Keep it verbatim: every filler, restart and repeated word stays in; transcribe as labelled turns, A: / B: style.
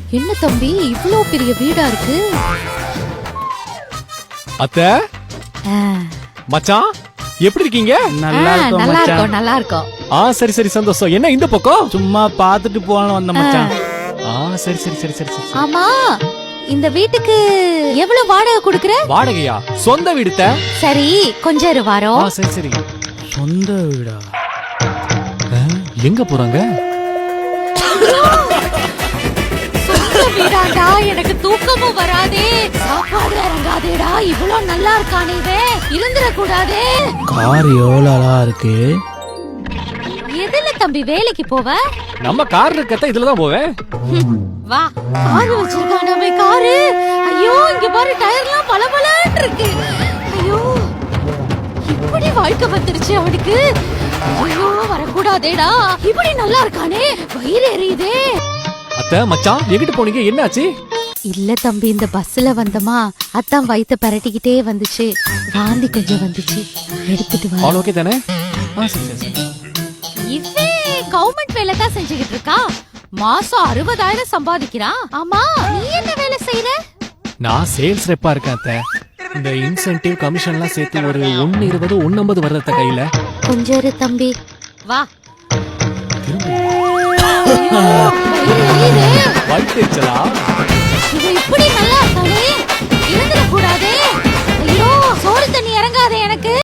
A: என்ன தம்பி இவ்ளோ பெரிய வீடா இருக்கு?
B: அத்தை மச்சான் எப்படி இருக்கீங்க?
C: நல்லா இருக்கும்
A: நல்லா
C: மச்சான்.
A: இருக்கும் நல்லா இருக்கும்.
B: ஆ சரி சரி சந்தோஷம். என்ன இந்த பக்கம்?
C: சும்மா பாத்துட்டு போகணும் வந்த மச்சான்.
B: ஆ சரி சரி சரி சரி சரி.
A: ஆமா இந்த வீட்டுக்கு எவ்வளவு வாடகை குடுக்குற?
B: வாடகையா? சொந்த வீடுத்த?
A: சரி கொஞ்சம் இரு
B: ஆ
A: வாரோம்.
B: சரி சரி.
C: சொந்த வீடா?
B: ஆ, எங்க போறாங்க?
A: சொந்த வீடாடா, எனக்கு தூக்கமும் வராதே, சாப்பாடு இறங்காதேடா, இவ்ளோ நல்லா இருக்கானே இவன், இருந்துட கூடாதே.
C: கார் எவ்வளவு அழகா இருக்கு.
A: எதுல தம்பி வேலைக்கு போவ?
B: நம்ம கார் இருக்கத்த இதுலதான் போவேன்.
A: வா காரு வச்சிருக்கானே காரு. ஐயோ இங்க பாரு டயர்லாம் பளபளன்னு இருக்கு. ஐயோ இப்படி வாழ்க்கை வந்துருச்சு அவனுக்கு. ஐயோ வரக்கூடாதேடா, இப்படி நல்லா இருக்கானே, வயிறு எரியுதே.
B: அத்தை மச்சான் எங்கிட்டு போனீங்க? என்னாச்சு?
A: இல்ல தம்பி இந்த பஸ்ல வந்தமா, அத்தான் வயித்த பரட்டிக்கிட்டே வந்துச்சு, வாந்தி கொஞ்சம் வந்துச்சு, எடுத்துட்டு வா.
B: ஆல் ஓகே தானே? ஆ சரி சரி சரி.
A: இவே கவர்மெண்ட் வேலை தான் செஞ்சுக்கிட்டு இருக்கா, மாசம் அறுபதாயிரம் சம்பாதிக்கிறான். ஆமா நீ என்ன வேலை செய்யற?
B: நான் சேல்ஸ் ரெப்பா இருக்கேன் அத்தை. இந்த இன்சென்டிவ் கமிஷன்லாம் சேர்த்து ஒரு ஒன்னு இருபது ஒன்னு ஐம்பது வருதத்த கையில.
A: கொஞ்சம் இரு தம்பி வா.
B: வயிற்றுச்சலா?
A: இது இப்படி